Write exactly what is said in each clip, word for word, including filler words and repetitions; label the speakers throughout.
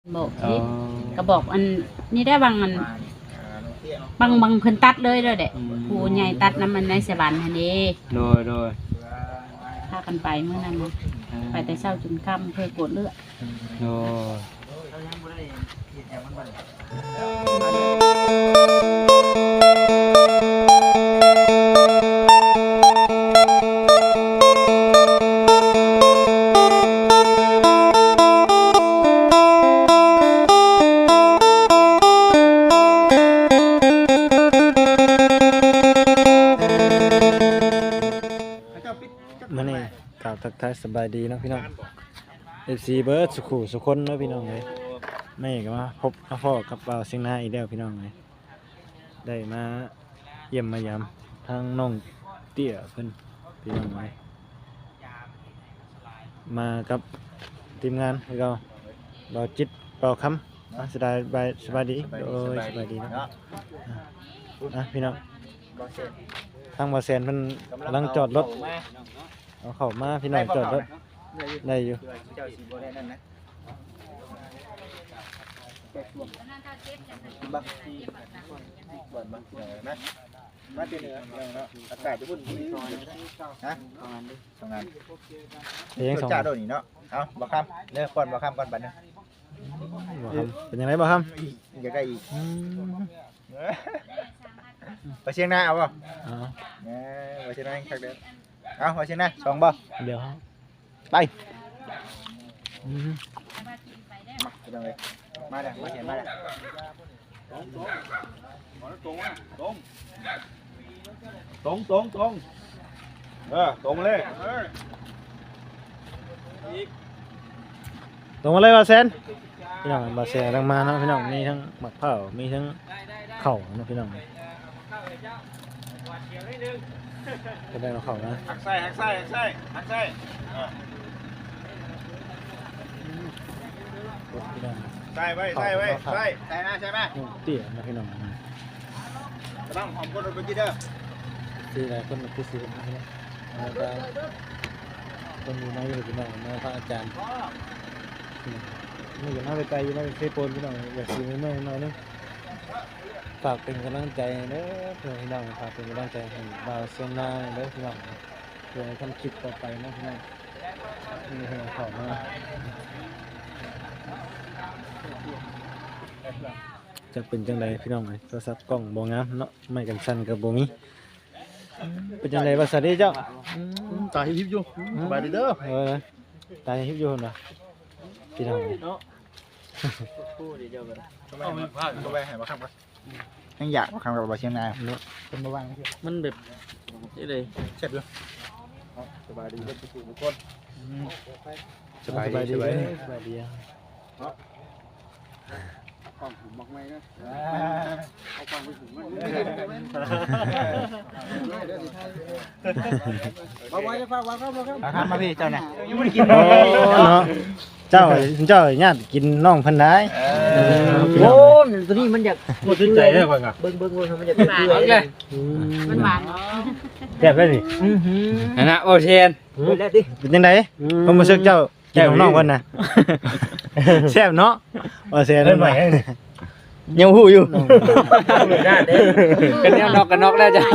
Speaker 1: บอกสิก็บอกอันนี่ได้บางอันบางบางเพิ่นตัดเลยเด้อเด็กผู้ใหญ่ตัดน้ำมันในสวรรค์หั่นเด้
Speaker 2: โดยโดย
Speaker 1: พากันไปเมื่อนั้นนะไปแต่เช้าจนค่ำเพื่อกดเลือด
Speaker 2: โดมื้อนี้กล่าวทักทายสบายดีเนาะพี่น้อง เอฟ ซี เบิร์ดสุขุสุคนเนาะพี่น้องเลยไม่ก็มาพบมาพ่อกับเราเสียงหน้าอีกแล้วพี่น้องเลยได้มาเยี่ยมมายามทางน้องเตี้ยเพิ่นพี่น้องเลยมากับทีมงานพี่เราเราจิตเป่าคำสบายสบายสบายดีโอ้ยสบายดีเนาะอ่ะพี่น้องทางบาเซนเพิ่นกำลังจอดรถเอาเข้ามาพี่น้องจอดรถได้อยู่
Speaker 3: บักก่อนบักเหนือนะมาเจอเหนือเนาะอากาศจะวุ่นวุ่นฮะทำงานดิทำงานเลี้ยงสองจ่าโดนนี่เนาะเอาบักคำเนื้อก่อนบักคำก่อนบัดนึง
Speaker 2: เป็นยังไงบ้างครับ
Speaker 3: อยากได้อีกไปเชียงนาเอาป่ะเนี่ยไปเชียงนาชักเดินเอาไปเชียงนาสองบ่
Speaker 2: เดี๋ยว
Speaker 3: ไปมาไปเลยมาเด้อมาเชียงมาเด้อตรงตรงตรงตรงตรงเออตรงเลย
Speaker 2: ตรงมาเลยบาเซนพี่น้องบาเซนกำลังมาเนาะพี่น้องมีทั้งหมักเผามีทั้งเข่าเนาะพี่น้องก็ได้มาเข่านะ
Speaker 3: หักไส้หักไส้หักไส้หักไส้ใส่ไว้ใส่ไว้ใส่ใส่มาใส่มา
Speaker 2: เตี้ยนะพี่น้อง
Speaker 3: ต้องหอมก้นรถไปกินเด้อ
Speaker 2: ซื้ออะไรคนมาซื้อนะพี่น้องแล้วก็คนอยู่ในอยู่พี่น้องมาพระอาจารย์ไม่อยู่หน้าไปไกลอยู่หน้าไปเซโปนพี่น้องอยากซื้อเมื่อหน่อยนึงฝากเป็นกำลังใจเด้อพี่น้องฝากเป็นกำลังใจให้บ่าวเซียนนาเด้อพี่น้องเพื่อทำคลิปต่อไปนะพี่น้องมีให้ขอมาจะเป็นจังไดพี่น้องไอ้โทรศัพท์กล้องบ่งามเนาะไม่กันสั่นกับบ่มีเป็นจังไดว่าสวัสดีเจ้า
Speaker 3: ตายฮิปอยู่สบายดีเด้อ
Speaker 2: เออตายฮิปอยู่เหรอพี่น้อง
Speaker 3: เนาะพูดดีเดียวกันทำไมมาพลาดก็ไปหายมาคำกันยังอยากมาคำกับบาเชียงนาเนาะเป็นมาวาง
Speaker 2: มันแบบนี่เลย
Speaker 3: เช็ดด้วยสบายดีเด้อทุกคน
Speaker 2: สบายดีสบายดีสบายดี
Speaker 3: ความหุ่มมากไหมนะเอาความไปหุ่มมันมาไว้จะฟังวางเข้ามาครับมาพี่เจ้าเนี่ยยังไม่ได้กิน
Speaker 2: เนาะเจ้าเจ้าญาติกินน้องพันได้
Speaker 4: โอ้ตัวนี้มันอยาก
Speaker 2: หมดใจได้ป่ะ
Speaker 4: เบิ้งเบิ้งมันอยากเปื่อยเลย
Speaker 1: มันหวาน
Speaker 2: แซ่บเลยนี่
Speaker 4: นั่นนะโอเชน
Speaker 2: เป็นยังไงผมมาเช็คเจ้าแก้วน้องคนน่ะแซ่บเนาะโอเชนใหม่ยังหูอยู่
Speaker 4: กันเนี่ยนอกกันนอกแล้วจ้ะ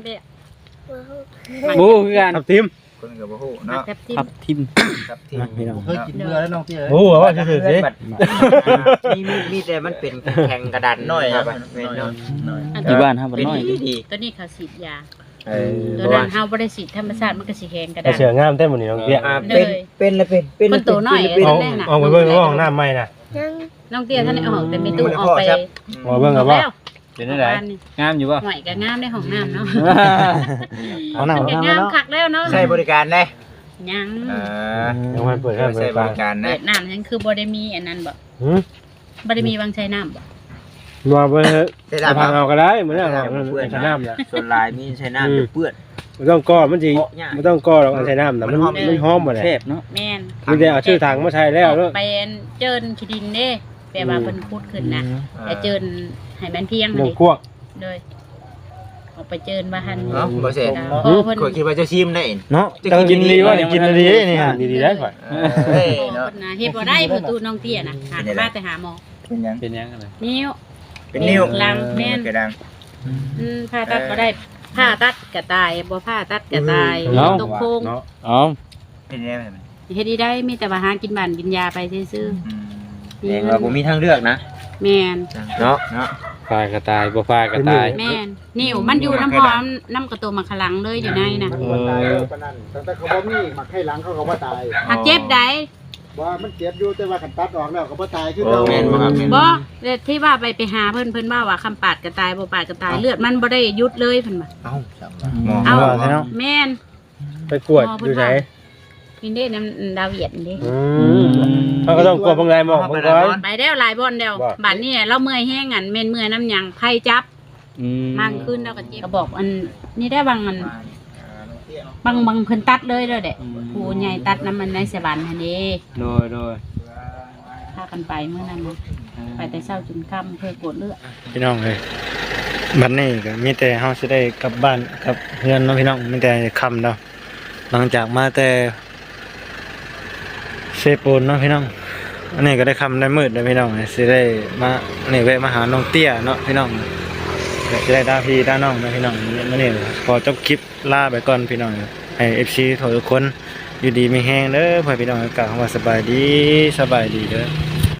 Speaker 4: บูคือกัน
Speaker 2: ทับทิม
Speaker 3: คนกับบูเนาะ
Speaker 2: ทับทิม
Speaker 3: ทับทิมพี่น้องเคยกินเนื้อแล้วน้องพี่
Speaker 2: บูว่าจะถือสิ
Speaker 4: มีมีมีแต่มันเป็นแข็งกระดาน
Speaker 3: น้อยครับ
Speaker 2: ที่บ้านครับน้อย
Speaker 1: ตัวนี้เขาฉีดยาตัวนั้นเขาบริสิทธิ์ธรรมชาติมันก็สีแข็งกระดาน
Speaker 2: เสืองามเต้นหมดนี่น้องเตี้ย
Speaker 4: เป็นเป็นละเป็น
Speaker 1: เป็นมันตัวน้อย
Speaker 2: ออกไปเบิ่งห้องน้ำใหม่น่ะ
Speaker 1: น้องเตี้ยท่านออกแต่ไม่ตู้ออกไป
Speaker 2: ออกเบิ่งกับว่าเป็นได้งามอยู่ป่ะ
Speaker 1: หน่อยก็งามได้ห้องน้ำเนาะ
Speaker 2: ห้องน้ำ
Speaker 1: งามคักแล้วเนาะ
Speaker 4: ใช้บริการได้
Speaker 1: ยัง
Speaker 2: ยังไม่เปิดให้
Speaker 4: บริการนะ
Speaker 1: เปิดน้ำยังคือบริมีอันนั้นบ่บริมีวางใช้น้ำบ่
Speaker 2: รอไปใช้น้ำเอาก็ได้เหมือนกันใช้น้ำเนี่ย
Speaker 4: ส่วนลายมีใช้น้ำเปื้อน
Speaker 2: ไม่ต้องก้อมันจริงไม่ต้องก้อเราใช้น้ำแต่มันมันหอมหมดเลย
Speaker 4: เทพเนาะ
Speaker 1: แม่น
Speaker 2: มีแต่เอาชื่อทางมาใช้แล้วเนาะ
Speaker 1: ไปเจินขี้ดินเด้แปลว่าเป็นพูดขึ้นนะแต่เจินให้มันเพียง
Speaker 2: เลยกวก
Speaker 1: เลยออกไปเจิญว่าหั่น
Speaker 4: เนาะบ่เสร็จ
Speaker 1: พอเพิ่น
Speaker 4: ข่อยคิดว่าเจะชิมได้เอง
Speaker 2: เนาะเจ้ากินดีว่ากินดีนี่ฮะ
Speaker 5: ดีๆได้ข่อย
Speaker 3: เฮ้ย
Speaker 1: พอ
Speaker 3: เนาะ
Speaker 1: เพิ่นน่ะเฮ็ดบ่ได้ประตูน้องเตี้ยน่ะหามาแต่หาหมอ
Speaker 3: เป็นยัง
Speaker 5: เป็นยังไง
Speaker 1: นิ้ว
Speaker 3: เป็นนิ้ว
Speaker 1: ลังแม่น
Speaker 3: กระดัง
Speaker 1: อืมผ่าตัดบ่ได้ผ่าตัดก็ตายบ่ผ่าตัดก็ตาย
Speaker 5: เนาะ
Speaker 1: ตกโคง
Speaker 5: เนาะ
Speaker 2: อ๋อ
Speaker 3: เป็นยังไงมัน
Speaker 1: เฮ็ดได้มีแต่ว่าหากินบ้านกินยาไปซื่อ
Speaker 3: อืม
Speaker 1: ๆ
Speaker 4: แสดงว่าบ่มีทางเลือกนะ
Speaker 1: แม่น
Speaker 4: เนาะ
Speaker 3: เนาะ
Speaker 5: ฟาดกระตายบ่ฟาดกระตาย
Speaker 1: แม่นนิ้วมันอยู่น้ำพร้อมน้ำกระตัวมาขลังเลยอยู่ในน่ะ
Speaker 5: เออ
Speaker 6: แต่เขาบ่มีหมักให้หลังเขาก็บ่ตาย
Speaker 1: หักเจ็บได้
Speaker 6: ว่ามันเจ็บอยู่แต่ว่าคันตัดออกแล้วก็บ่ตายคือ
Speaker 3: โอ้
Speaker 6: เก่า
Speaker 4: แม่นบ่ครับแม่น
Speaker 1: บ่แต่ที่ว่าไปไปหาเพิ่นเพิ่นว่าว่าคำปาดก็ตายบ่ปาดก็ตายเลือดมันบ่ได้หยุดเลยเพิ่นว่า
Speaker 3: เอ้าจังหวะหมอ
Speaker 2: เอาใช่เนาะ
Speaker 1: แม่น
Speaker 5: ไปกวดอยู่ไหน
Speaker 1: กินได้น้ำดาวเหยียดเด้
Speaker 5: อืมเขาก็ต้องกวดเบิ่งไงหมองเบิ่งก่อน
Speaker 1: ไปแล้วหลายบ่อนแล้ว
Speaker 5: บ่
Speaker 1: บัดนี้เราเมื่อยแห้งอันแม่นเมื่อยน้ำหยังไผจับ
Speaker 5: อืม
Speaker 1: มากขึ้นแล้วก็เจ็บก็บอกอันนี่ได้บางอันบางบางเพิ่นตัดเลยเด้อเด้ผู้ใหญ่ตัดน้ำมันในสบันหั่นเด้
Speaker 5: โดยโดย
Speaker 1: พากันไปเมื่อนั้นนะไปแต่เช้าจนค่ำเพื่อกดเลือด
Speaker 2: พี่น้องเลยบัดนี้ก็มีแต่เฮาสิได้กลับบ้านกับเพื่อนเนาะพี่น้องมีแต่ค่ำแล้วหลังจากมาแต่เซโปนเนาะพี่น้องอันนี้ก็ได้ค่ำได้มืดแล้วพี่น้องสิได้มานี่แวะมาหาน้องเตี้ยเนาะพี่น้องก็สิได้ดาพี่ดาน้องเนาะพี่น้องมื้อนี้ขอจบคลิปลาไปก่อนพี่น้องให้ เอฟ ซี ทุกคนอยู่ดีมีแฮงเด้อพ่อพี่น้องอากาศว่าสบายดีสบายดีเด้อ